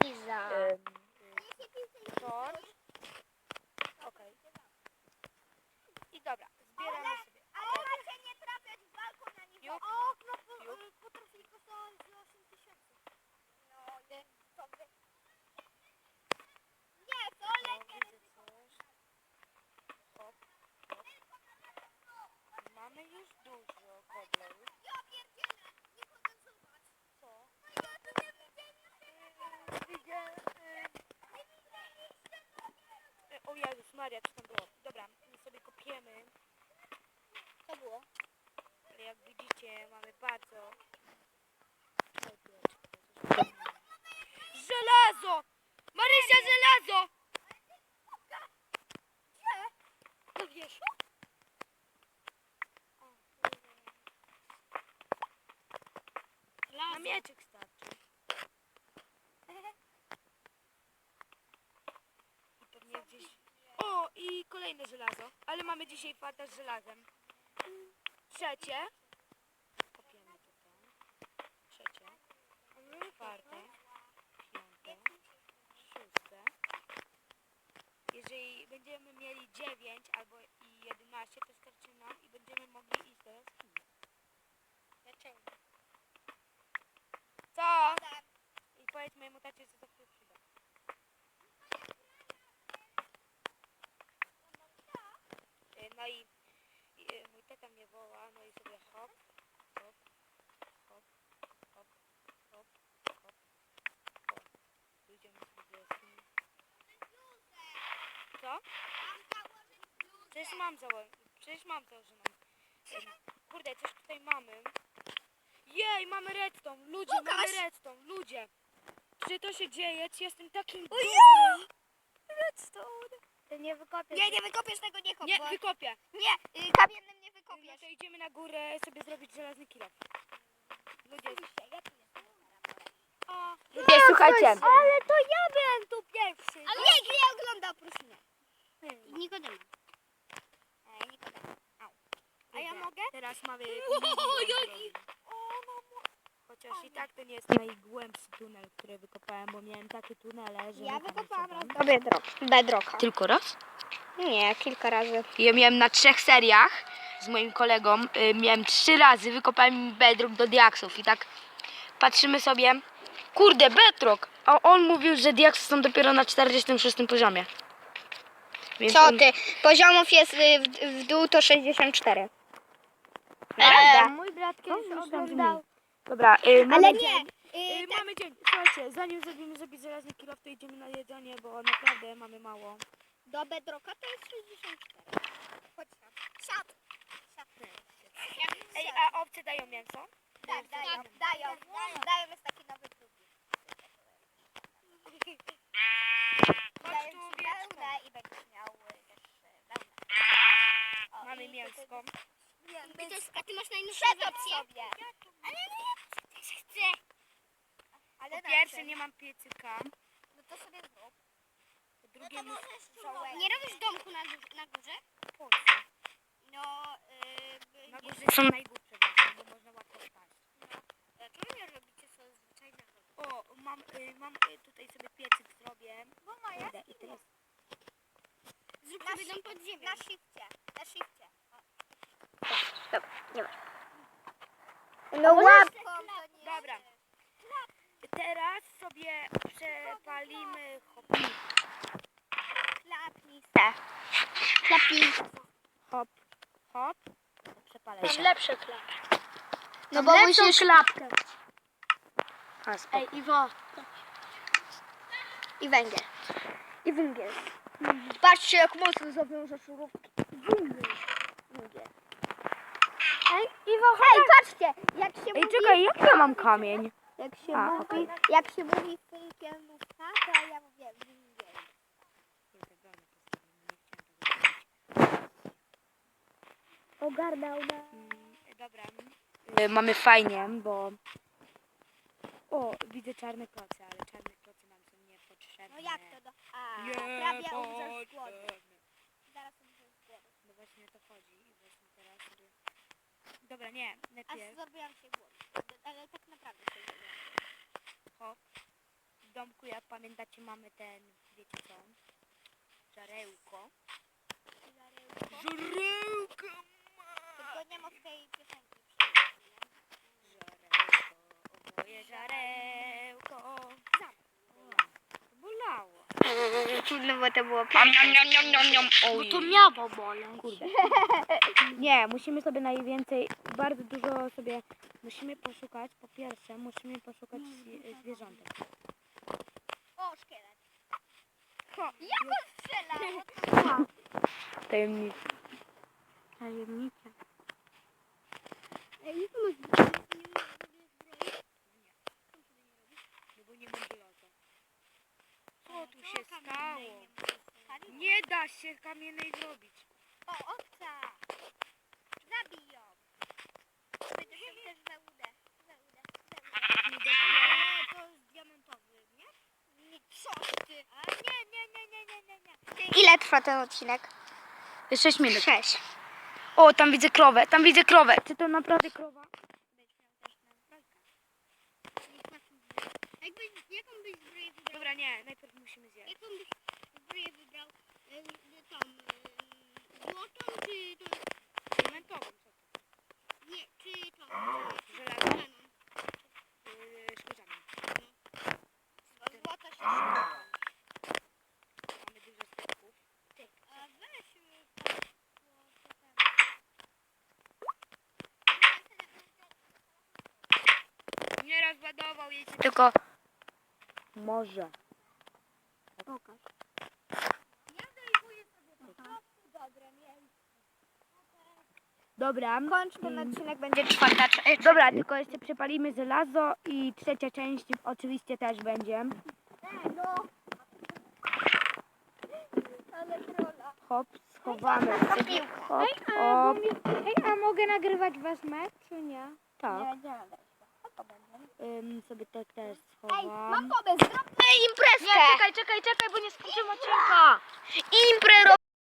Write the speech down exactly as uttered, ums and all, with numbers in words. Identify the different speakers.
Speaker 1: Liza.
Speaker 2: Ym, torcz. Okej. I dobra, zbieramy sobie.
Speaker 3: Ale macie nie trafiać w balkon na niego.
Speaker 2: Piuk,
Speaker 3: O, okno po,
Speaker 2: piuk.
Speaker 3: y, potrafi kosztować osiem tysięcy. No, nie, to wy... Nie, to
Speaker 2: O,
Speaker 3: lekkie
Speaker 2: widzę
Speaker 3: ryzyko.
Speaker 2: coś. Hop, hop. Mamy już dużo kobleł.
Speaker 3: Ja pierdzielę, nie mogę zobacz.
Speaker 2: Co?
Speaker 3: No ja to nie widzieliście.
Speaker 2: Widzę...
Speaker 3: Nie widzieliście, no nie.
Speaker 2: y, O Jezus Maria, co tam było? Dobra, my sobie kopiemy.
Speaker 3: Co było?
Speaker 2: Ale jak widzicie, mamy bardzo... Żelazo! Marysia, żelazo!
Speaker 3: Gdzie?
Speaker 2: No wiesz? Na mieczek starczy. I pewnie gdzieś... O, i kolejne żelazo. Ale mamy dzisiaj farta z żelazem. Trzecie. Kopiemy tutaj. Trzecie. Czwarte. Piąte. Szóste. Jeżeli będziemy mieli dziewięć albo i jedenaście, to starczy nam i będziemy mogli iść do jaskini.
Speaker 3: Dlaczego?
Speaker 2: Co? I powiedz mojemu tacie, co to się przyda. Y, No i, i y, mój tata mnie woła, no i sobie hop, hop, hop, hop, hop, hop, hop. Pójdziemy sobie do jaskini. Co? Przecież mam założoną, przecież mam założoną. Ym, Kurde, coś tutaj mamy. Jej, mamy redstone, ludzie,
Speaker 3: Pokaż.
Speaker 2: mamy redstone, ludzie. Czy to się dzieje? Czy jestem takim
Speaker 3: O
Speaker 2: dobrym?
Speaker 3: ja! Redstone.
Speaker 1: Ty nie wykopiesz.
Speaker 3: Nie, nie wykopiesz tego, nie kop.
Speaker 2: Nie,
Speaker 3: bo-
Speaker 2: wykopię.
Speaker 3: Nie, y, kamiennym nie
Speaker 2: No
Speaker 3: wykopiesz.
Speaker 2: to idziemy na górę sobie zrobić żelazny kilo. Ludzie, o,
Speaker 1: Ludzie, słuchajcie.
Speaker 3: Ale to ja byłem tu pierwszy. Ale nikt nie ogląda, proszę nie. Nikodem. Ej, Nikodem. A ja
Speaker 2: kurde,
Speaker 3: mogę?
Speaker 2: Teraz mamy
Speaker 3: O,
Speaker 2: milion
Speaker 3: jaki-
Speaker 2: drogi.
Speaker 3: O, mamo.
Speaker 2: Chociaż i tak to nie jest najgłębszy tunel, który wykopałem, bo miałem takie tunele, że...
Speaker 3: Ja
Speaker 2: mucha
Speaker 3: wykopałam
Speaker 2: na
Speaker 3: raz
Speaker 2: siedem.
Speaker 3: do bedroka. bedrocka.
Speaker 2: Tylko raz?
Speaker 3: Nie, kilka razy.
Speaker 2: Ja miałem na trzech seriach z moim kolegą, y, miałem trzy razy, wykopałem bedrock do diaksów i tak patrzymy sobie, kurde, bedrock, a on mówił, że diaksy są dopiero na czterdziestym szóstym poziomie. Więc
Speaker 3: Co
Speaker 2: on-
Speaker 3: ty? Poziomów jest y, w, w dół to sześćdziesiąt cztery.
Speaker 2: Prawda?
Speaker 1: mój brat
Speaker 2: No,
Speaker 1: kiedyś
Speaker 2: myślałam, że
Speaker 1: oglądał.
Speaker 2: mniej. Dobra, y, mamy
Speaker 3: Ale
Speaker 2: dzień.
Speaker 3: nie.
Speaker 2: Y,
Speaker 3: Y, tak,
Speaker 2: mamy dzień. Słuchajcie, zanim zrobimy sobie żelazny kilof, to idziemy na jedzenie, bo naprawdę mamy mało.
Speaker 3: do bedrocka to jest sześćdziesiąt cztery. Chodź tam. Siad. Siad.
Speaker 2: Ej, a obcy dają mięso?
Speaker 3: Tak, dają, dają, dają. Dają jest taki nowy klub.
Speaker 2: Chodź
Speaker 3: Daję
Speaker 2: tu,
Speaker 3: ci
Speaker 2: wieczko.
Speaker 3: wełnę i będziesz miał y, też y, wełnę. O,
Speaker 2: Mamy
Speaker 3: i
Speaker 2: mięsko.
Speaker 3: tutaj- Ty a ty masz najnowszą wersję. Sobie. Ale nie, też chcę. Ale
Speaker 2: Po
Speaker 3: na
Speaker 2: pierwsze
Speaker 3: czym?
Speaker 2: nie mam piecyka,
Speaker 3: No to sobie zrób.
Speaker 2: po drugie muszę...
Speaker 3: Nie robisz domku na, gó- na górze?
Speaker 2: Po co?
Speaker 3: No, yy,
Speaker 2: Na górze są najgłupsze właśnie, bo można łatwo wpaść.
Speaker 3: Dlaczego nie robicie co zwyczajnego?
Speaker 2: O, mam, y, mam y, tutaj sobie piecyk zrobię.
Speaker 3: Bo moja
Speaker 2: Kurde, i teraz...
Speaker 3: Zrób sobie dom pod ziemią. Na shifcie, na shifcie.
Speaker 1: Dobra, nie ma.
Speaker 3: No
Speaker 2: łapką Dobra. Teraz sobie przepalimy chopnik.
Speaker 3: Klapnij se. Klapnij.
Speaker 2: Hop, hop. Przepalę się.
Speaker 1: lepsze klapy.
Speaker 3: No bo musisz...
Speaker 1: klapkę.
Speaker 2: A, spoko.
Speaker 1: Ej, Iwo.
Speaker 3: I węgiel.
Speaker 1: I węgiel.
Speaker 3: Patrzcie jak mocno zawiążę szurówki.
Speaker 1: Węgiel. Ej, Iwo,
Speaker 3: Ej, patrzcie, jak się
Speaker 2: Ej,
Speaker 3: mówi...
Speaker 2: czekaj, jak ja mam kamień?
Speaker 3: Jak się
Speaker 2: A,
Speaker 3: mówi,
Speaker 2: okej.
Speaker 3: jak się mówi funkielnówka, to ja mówię węgiel.
Speaker 1: ogarnął na...
Speaker 2: Mm, Dobra. Y, Mamy fajnie, bo... O, widzę czarne kloce, ale czarne kloce nam są niepotrzebne.
Speaker 3: No jak to do... A,
Speaker 2: Nie
Speaker 3: prawie umrzesz z głodu.
Speaker 2: potrzebne.
Speaker 3: Zaraz umrzesz z głodu.
Speaker 2: No właśnie o to chodzi i właśnie teraz sobie... Dobra, nie,
Speaker 3: A
Speaker 2: najpierw
Speaker 3: zrobiłam się głód. Ale tak naprawdę się zrobiłam.
Speaker 2: hop, domku, jak pamiętacie, mamy ten, wiecie co? Żarełko. Żarełko!
Speaker 3: Tylko nie ma tej piosenki.
Speaker 2: Żarełko, o moje żarełko. To bolało.
Speaker 3: No bo to było
Speaker 2: Niam, niam, niam, niam, niam.
Speaker 1: Bo to miało boleć.
Speaker 2: Kurde. Nie, musimy sobie najwięcej, bardzo dużo sobie, musimy poszukać, po pierwsze, musimy poszukać zwi- zwierzątek.
Speaker 3: O, szkielet.
Speaker 2: Ho,
Speaker 3: Jak on strzela?
Speaker 2: tajemnica.
Speaker 1: Tajemnica.
Speaker 3: Ej, co masz?
Speaker 2: No bo nie mam żelaza. Co tu się stało? Nie da się kamiennej zrobić.
Speaker 3: O, owca! Zabij ją! Będziesz ją też za udę. Za udę. Za udę. Ale to jest diamentowy, nie? Nie, co ty? A nie, nie, nie, nie, nie, nie, nie. Ile trwa ten odcinek?
Speaker 2: sześć minut.
Speaker 3: Sześć.
Speaker 2: O, tam widzę krowę, tam widzę krowę. Czy to naprawdę krowa?
Speaker 3: Jakby, jaką byś zbroję wybrał?
Speaker 2: Dobra, nie, najpierw musimy zjeść.
Speaker 3: Jaką byś zbroję wybrał? E, tą e, złotą czy tą?
Speaker 2: Diamentową, co to?
Speaker 3: Nie, czy tą?
Speaker 2: Żelazną?
Speaker 3: Szklaną.
Speaker 2: Yy, szkórzami.
Speaker 3: Bo złota się szybko.
Speaker 2: Mamy dużo stepków.
Speaker 3: A weź y, tam, złoto tam.
Speaker 2: Nie rozładował jej się tylko... Może.
Speaker 1: Pokaż.
Speaker 3: Ja zajmuję sobie po prostu dobre miejsce.
Speaker 2: Dobra.
Speaker 3: Kończ ten
Speaker 2: Mm.
Speaker 3: odcinek, będzie czwarta część.
Speaker 2: Dobra, tylko jeszcze przepalimy żelazo i trzecia część oczywiście też będzie.
Speaker 3: No. Ale trolla.
Speaker 2: Hop, schowamy.
Speaker 3: To
Speaker 2: sobie.
Speaker 3: piłka.
Speaker 2: Hop,
Speaker 1: Ej, a, bo
Speaker 2: hop.
Speaker 1: mi, ej, a mogę nagrywać was mecz, czy nie?
Speaker 2: Tak.
Speaker 3: Nie, nie nagrać go. O, to będzie.
Speaker 2: Ym, sobie to też
Speaker 3: Ej, mam
Speaker 2: schowam.
Speaker 3: pomysł, zróbmy imprezkę.
Speaker 2: Nie, czekaj, czekaj, czekaj, bo nie skończymy odcinka.
Speaker 3: Imprę